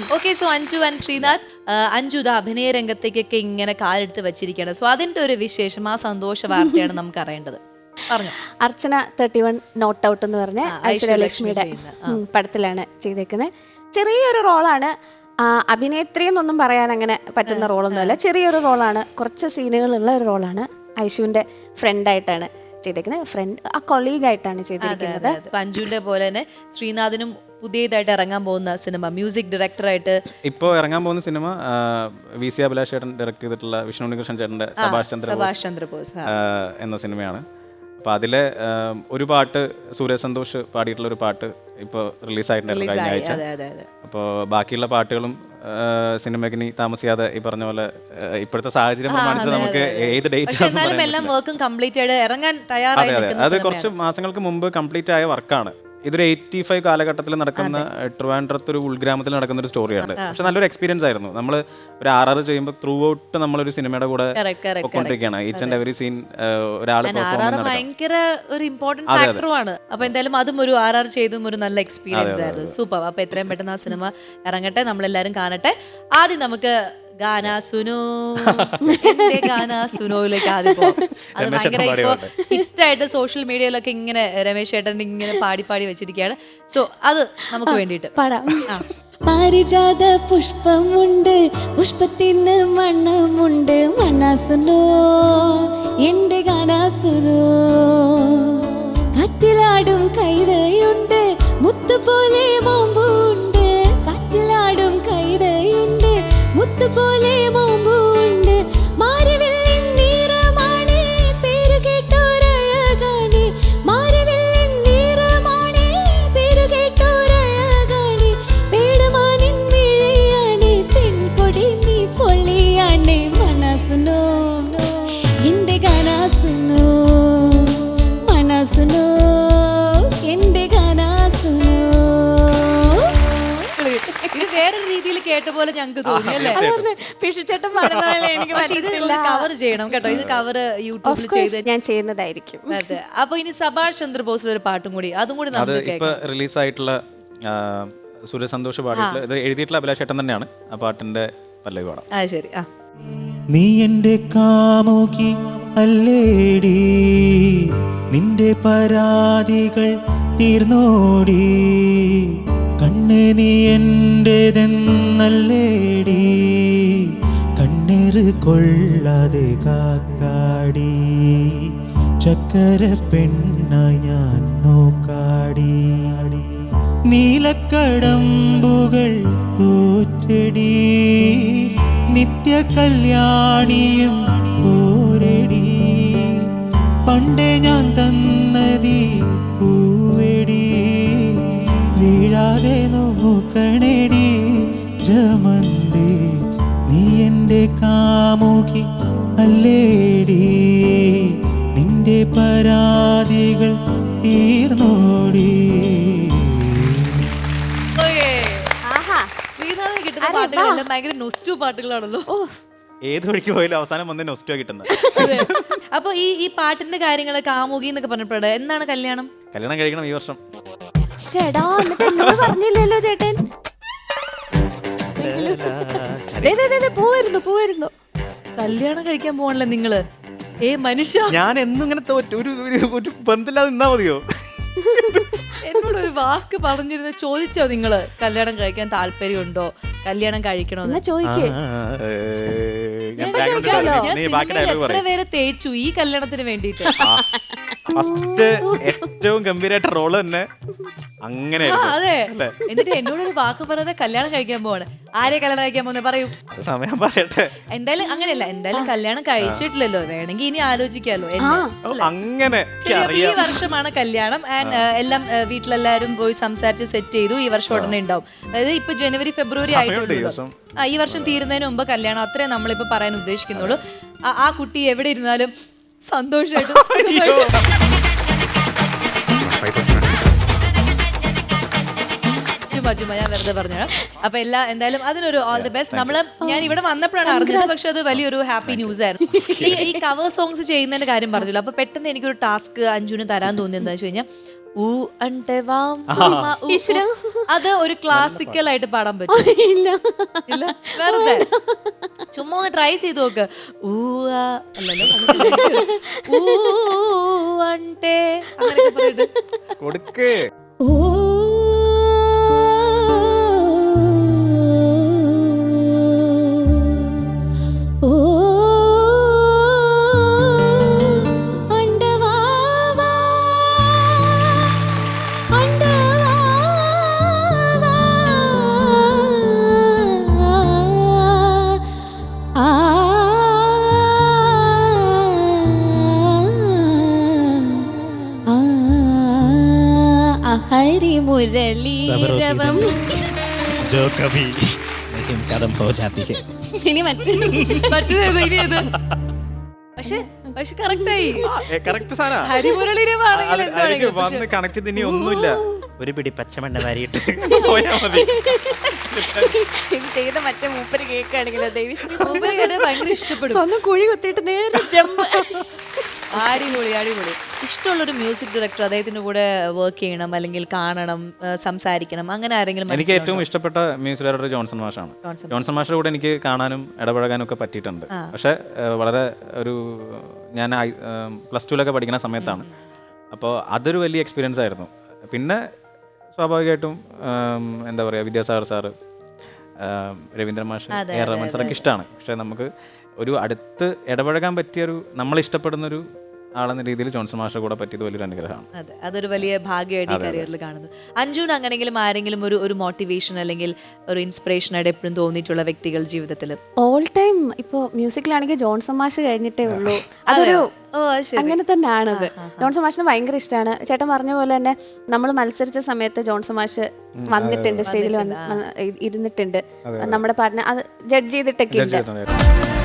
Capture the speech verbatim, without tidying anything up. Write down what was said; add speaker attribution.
Speaker 1: Okay, so Anju and Sreenath, Anju ദാ അഭിനയ രംഗത്തേക്കൊക്കെ ഇങ്ങനെ കാലെടുത്ത് വെച്ചിരിക്കുകയാണ്. സോ അതിന്റെ ഒരു വിശേഷം, ആ സന്തോഷ വാർത്തയാണ് നമുക്ക് അറിയേണ്ടത്. പറഞ്ഞു.
Speaker 2: Archana thirty one not out എന്ന് പറഞ്ഞ ഐശ്വര്യലക്ഷ്മിയുടെ പടത്തിലാണ് ചെയ്തേക്കുന്നത്. ചെറിയൊരു റോളാണ്, അഭിനേത്രി എന്നൊന്നും പറയാൻ അങ്ങനെ പറ്റുന്ന റോളൊന്നുമല്ല. ചെറിയൊരു റോളാണ്, കുറച്ച് സീനുകളുള്ള ഒരു റോളാണ്. ഐശുവിന്റെ ഫ്രണ്ടായിട്ടാണ് ചെയ്തേക്കുന്നത്, ഫ്രണ്ട് ആ കൊളീഗായിട്ടാണ് ചെയ്തിരിക്കുന്നത്.
Speaker 1: അഞ്ജുവിന്റെ പോലെ തന്നെ ശ്രീനാഥിനും പുതിയതായിട്ട് ഇറങ്ങാൻ പോകുന്ന സിനിമ മ്യൂസിക് ഡയറക്ടറായിട്ട്
Speaker 3: ഇപ്പോൾ ഇറങ്ങാൻ പോകുന്ന സിനിമ വി സി അഭിലാഷ് ചേട്ടൻ ഡയറക്ട് ചെയ്തിട്ടുള്ള വിഷ്ണു ഉണ്ണികൃഷ്ണൻ ചേട്ടൻ്റെ സഭാഷ്
Speaker 1: സുഭാഷ് ചന്ദ്രബോസ്
Speaker 3: എന്ന സിനിമയാണ്. അപ്പോൾ അതിലെ ഒരു പാട്ട് സൂര്യ സന്തോഷ് പാടിയിട്ടുള്ള ഒരു പാട്ട് ഇപ്പോൾ റിലീസായിട്ടുണ്ടായിരുന്നു കഴിഞ്ഞ ആഴ്ച. അപ്പോൾ ബാക്കിയുള്ള പാട്ടുകളും സിനിമയ്ക്ക് ഇനി താമസിയാതെ ഈ പറഞ്ഞ പോലെ ഇപ്പോഴത്തെ സാഹചര്യം പ്രമാണിച്ച് നമുക്ക് ഏത് ഡേറ്റ് അത് കുറച്ച് മാസങ്ങൾക്ക് മുമ്പ് കംപ്ലീറ്റ് ആയ വർക്കാണ്. ഇതൊരു എയ്റ്റി ഫൈവ് കാലഘട്ടത്തിൽ നടക്കുന്ന ട്രിവാൻഡ്രത്ത് ഒരു ഉൾഗ്രാമത്തിൽ നടക്കുന്ന ഒരു സ്റ്റോറിയാണ്. പക്ഷെ നല്ലൊരു എക്സ്പീരിയൻസ് ആയിരുന്നു. നമ്മൾ ഒരു ആർ ആർ ചെയ്യുമ്പോൾ ത്രൂ ഔട്ട് നമ്മളൊരു സിനിമയുടെ കൂടെ പൊയ്ക്കൊണ്ടിരിക്കുകയാണ്. ഈച്ച് ആൻഡ് എവറി സീൻ ഒരാൾ
Speaker 1: ഭയങ്കര ഒരു ഇമ്പോർട്ടന്റ് ഫാക്ടറുമാണ്. അപ്പൊ എന്തായാലും അതും ഒരു ആർ ആർ ചെയ്തും ഒരു നല്ല എക്സ്പീരിയൻസ് ആയിരുന്നു. സൂപ്പർ. അപ്പൊ എത്രയും പെട്ടെന്ന് ആ സിനിമ ഇറങ്ങട്ടെ, നമ്മളെല്ലാരും കാണട്ടെ. ആദ്യം നമുക്ക് ഗാനാ സുനോ, എന്റെ ഗാനാ സുനോയിലേക്ക് ആദ്യം പോകാം. അത് ഭയങ്കര ഇപ്പൊ ഹിറ്റായിട്ട് സോഷ്യൽ മീഡിയയിലൊക്കെ ഇങ്ങനെ രമേശ് ചേട്ടൻ ഇങ്ങനെ പാടി പാടി വെച്ചിരിക്കുകയാണ്. സോ അത് നമുക്ക് വേണ്ടിയിട്ട്
Speaker 2: പാടാം. പാരിജാത പുഷ്പമുണ്ട്, പുഷ്പത്തിന് മണമുണ്ട്, മണ്ണാസുനോ എന്റെ ഗാനാസുനോ. കാറ്റിലാടും കൈതയുണ്ട്, മുത്തുപോലെ മോമ്പുണ്ട്, കാറ്റിലാടും കൈതയുണ്ട്, മുത്തുപോലെ മോമ്പുണ്ട്. മാരിവില്ലിൻ നിറമാണ്, പേരു കേട്ടോരഴകാണ്, മാരിവില്ലിൻ നിറമാണ്, പേരു കേട്ടോരഴകാണ്. പേടമാനിൻ മിഴിയാണ്, പെൺകൊടി നീ പൊള്ളിയാണ്, മനസ്സുനോ എന്റെ ഗാനാസുനോ, മനസ്സുനോ എന്റെ ഗാനാസുനോ.
Speaker 1: ഇത് വേറൊരു രീതിയിൽ കേട്ട പോലെ ഞങ്ങൾക്ക് തോന്നി അല്ലേ?
Speaker 2: പിഷിച്ചേട്ടൻ പാടുന്നതല്ലേ എനിക്ക്.
Speaker 1: പക്ഷേ ഇത് കവർ ചെയ്യണം കേട്ടോ, ഇത് കവർ യൂട്യൂബിൽ ചെയ്ത്
Speaker 2: ഞാൻ ചെയ്യുന്നതായിരിക്കും.
Speaker 1: അതെ. അപ്പൊ ഇനി സഭാഷ് ചന്ദ്രബോസിലെ ഒരു പാട്ടും കൂടി, അതും കൂടി നമുക്ക്
Speaker 3: ഇപ്പൊ റിലീസായിട്ടുള്ള സൂര്യ സന്തോഷ് പാടിയിട്ടുള്ള ഇത് എഴുതിയിട്ടുള്ള അഭിലാഷ് ചേട്ടൻ തന്നെയാണ്. ആ പാട്ടിന്റെ പല്ലവി പാടാം.
Speaker 1: ആ ശരി. ആ
Speaker 4: നീ എന്റെ കാമുകി അല്ലേടി, നിന്റെ പരാതികൾ തീർന്നോടി, കണ്ണ് നീ എന്റേതെന്നല്ലേടി, കണ്ണീർ കൊള്ളാതെ കാക്കാടി, ചക്കര പെണ്ണായി ഞാൻ നോക്കാടി, നീലക്കടമ്പുകൾ തോറ്റടി, നിത്യ കല്യാണിയും പോരടി, പണ്ടേ ഞാൻ തന്നതി പൂവെടി, വീഴാതെ നോക്കണേടി ജമന്തി, നീ എന്റെ കാമുകി അല്ലേടി, നിന്റെ പരാതികൾ തീർന്നോടി.
Speaker 1: ശ്രീനാഥിന് കിട്ടുന്ന പാട്ടുകളെല്ലാം ഭയങ്കര നൊസ്റ്റു പാട്ടുകളാണല്ലോ.
Speaker 3: ഏത് വഴിക്ക് പോയാലും അവസാനം വന്ന് നൊസ്റ്റോ കിട്ടുന്നത്.
Speaker 1: അപ്പൊ ഈ ഈ പാട്ടിന്റെ കാര്യങ്ങള് കാമുകി എന്നൊക്കെ പറഞ്ഞപ്പോഴേ എന്താണ് കല്യാണം?
Speaker 3: കല്യാണം കഴിക്കണം ഈ വർഷം.
Speaker 2: ചേട്ടാ എന്നിട്ട് എന്നോട് പറഞ്ഞില്ലല്ലോ ചേട്ടൻ. പോവായിരുന്നു പോവായിരുന്നു
Speaker 1: കല്യാണം കഴിക്കാൻ പോകണല്ലേ നിങ്ങള്? ഏ മനുഷ്യ,
Speaker 3: ഞാൻ എന്നും ഇങ്ങനെ ഒരു ഒരു ബന്ധമില്ലാതെ നിന്നാ മതിയോ?
Speaker 1: എന്നോടൊരു വാക്ക് പറഞ്ഞിരുന്നു, ചോദിച്ചോ നിങ്ങള് കല്യാണം കഴിക്കാൻ താല്പര്യമുണ്ടോ, കല്യാണം കഴിക്കണോ?
Speaker 2: ചോദിക്കേ.
Speaker 1: എത്ര പേരെ തേച്ചു ഈ കല്യാണത്തിന് വേണ്ടിട്ട്.
Speaker 3: ഫസ്റ്റ് ഏറ്റവും ഗംഭീരമായിട്ട് റോള് തന്നെ അങ്ങനെ.
Speaker 1: അതെ. എന്നിട്ട് എന്നോടൊരു വാക്ക് പറയാതെ കല്യാണം കഴിക്കാൻ പോവാണ്. ആരെ കല്യാണം കഴിക്കാൻ പോകുന്നത് പറയൂ.
Speaker 3: സമയം പറയട്ടെ.
Speaker 1: എന്തായാലും അങ്ങനെയല്ല, എന്തായാലും കല്യാണം കഴിച്ചിട്ടില്ലല്ലോ, വേണമെങ്കിൽ ഇനി ആലോചിക്കാലോ.
Speaker 3: അങ്ങനെ
Speaker 1: ഈ വർഷമാണ് കല്യാണം. ആൻഡ് എല്ലാം വീട്ടിലെല്ലാരും പോയി സംസാരിച്ച് സെറ്റ് ചെയ്തു. ഈ വർഷം ഉടനെ ഉണ്ടാവും. അതായത് ഇപ്പൊ ജനുവരി ഫെബ്രുവരി ആയിട്ടുള്ളൂ. ആ ഈ വർഷം തീരുന്നതിന് മുമ്പ് കല്യാണം, അത്രേ നമ്മളിപ്പോ പറയാൻ ഉദ്ദേശിക്കുന്നുള്ളൂ. ആ കുട്ടി എവിടെ ഇരുന്നാലും സന്തോഷമായിട്ട് ചുമ്മാ ഞാൻ വെറുതെ പറഞ്ഞു. അപ്പൊ എല്ലാ എന്തായാലും അതിനൊരു ഓൾ ദി ബെസ്റ്റ്. നമ്മള് ഞാൻ ഇവിടെ വന്നപ്പോഴാണ് അറിഞ്ഞത്, പക്ഷെ അത് വലിയൊരു ഹാപ്പി ന്യൂസ് ആയിരുന്നു. ഈ ഈ കവർ സോങ്സ് ചെയ്യുന്നതിന്റെ കാര്യം പറഞ്ഞല്ലോ. അപ്പൊ പെട്ടെന്ന് എനിക്കൊരു ടാസ്ക് അഞ്ജുവിന് തരാൻ തോന്നിയെന്ന് വെച്ച് കഴിഞ്ഞാൽ, ഊ అంటే വാം വാ, ഊ, ഊ. അത് ഒരു ക്ലാസിക്കൽ ആയിട്ട് പാടാൻ പറ്റും.
Speaker 2: ഇല്ല
Speaker 1: ഇല്ല വെറുതെ ചുമ്മാ ഒന്ന് ട്രൈ ചെയ്ത് നോക്ക്. ഊ ആ അല്ലല്ലോ ഊ అంటే അങ്ങനെയൊക്കെ പറഞ്ഞിട്ട്
Speaker 3: കൊടുക്ക്.
Speaker 2: ഓ ഓ അണ്ടവാവാ അണ്ടവാവാ ആ ഹരി മുരളീരവം
Speaker 4: जो कभी नहीं कदम हो जाती है.
Speaker 2: ഇനി മറ്റേ
Speaker 1: പറ്റുന്നത് ഇനി ഇത് പക്ഷെ പക്ഷെ കറക്റ്റായി.
Speaker 3: കറക്റ്റ് സാധനം.
Speaker 1: ഹരിമുരളിരവാണെങ്കിൽ
Speaker 3: വന്ന് കണക്ട് ചെയ്ത് ഇനി ഒന്നുമില്ല. ഒരു പിടി പച്ചമണ്ണ വാരിയിട്ട് പോയാ മതി.
Speaker 2: ഇത് ചെയ്ത മറ്റേ മൂപ്പര് കേൾക്കുകയാണെങ്കിലോ ദേവിശ്രീ
Speaker 1: ഭയങ്കര ഇഷ്ടപ്പെടും.
Speaker 2: സ്വന്തം കുഴി കുത്തിയിട്ട് നേരെ ജമ്പ്.
Speaker 1: അടിപൊളി അടിപൊളി. ഇഷ്ടമുള്ളൊരു മ്യൂസിക് ഡയറക്ടർ അദ്ദേഹത്തിന്റെ കൂടെ വർക്ക് ചെയ്യണം അല്ലെങ്കിൽ കാണണം, ആ, സംസാരിക്കണം, അങ്ങനെ ആരെങ്കിലും
Speaker 3: എനിക്ക് ഏറ്റവും ഇഷ്ടപ്പെട്ട മ്യൂസിക് ഡയറക്ടർ ജോൺസൺ മാഷാണ്. ജോൺസൺ മാഷിന്റെ കൂടെ എനിക്ക് കാണാനും ഇടപഴകാനും ഒക്കെ പറ്റിയിട്ടുണ്ട്. പക്ഷെ വളരെ ഒരു ഞാൻ പ്ലസ് ടുവിലൊക്കെ പഠിക്കുന്ന സമയത്താണ്. അപ്പോൾ അതൊരു വലിയ എക്സ്പീരിയൻസ് ആയിരുന്നു. പിന്നെ സ്വാഭാവികമായിട്ടും എന്താ പറയുക, വിദ്യാസാഗർ സാറ്, രവീന്ദ്രൻ മാഷ്, എ ആർ റഹ്മാൻ സാറൊക്കെ ഇഷ്ടമാണ്. പക്ഷെ നമുക്ക് ഒരു അടുത്ത് ഇടപഴകാൻ പറ്റിയൊരു നമ്മളിഷ്ടപ്പെടുന്നൊരു ആളെന്ന രീതിയിൽ ജോൺസൺ മാഷിന്റെ കൂടെ പറ്റിയത് വലിയൊരു അനുഗ്രഹമാണ്.
Speaker 1: അതെ, അതൊരു വലിയ ഭാഗ്യമായിട്ട് ഈ കരിയറിൽ കാണുന്നു. അഞ്ജുന് അങ്ങനെങ്കിലും ആരെങ്കിലും ഒരു ഒരു മോട്ടിവേഷൻ അല്ലെങ്കിൽ ഒരു ഇൻസ്പിറേഷൻ ആയിട്ട് എപ്പോഴും തോന്നിയിട്ടുള്ള വ്യക്തികൾ ജീവിതത്തിൽ?
Speaker 2: ഓൾ ടൈം ഇപ്പൊ മ്യൂസിക്കിലാണെങ്കിൽ ജോൺസൺ മാഷ് കഴിഞ്ഞിട്ടേ ഉള്ളൂ. അതൊരു അങ്ങനെ തന്നെയാണത്. ജോൺസൺ മാഷിന് ഭയങ്കര ഇഷ്ടമാണ്. ചേട്ടൻ പറഞ്ഞ പോലെ തന്നെ നമ്മൾ മത്സരിച്ച സമയത്ത് ജോൺസൺ മാഷ് വന്നിട്ടുണ്ട്, സ്റ്റേജിൽ വന്ന് ഇരുന്നിട്ടുണ്ട്, നമ്മുടെ പാട്ടിനെ അത് ജഡ്ജ് ചെയ്തിട്ടൊക്കെ ഉണ്ട്.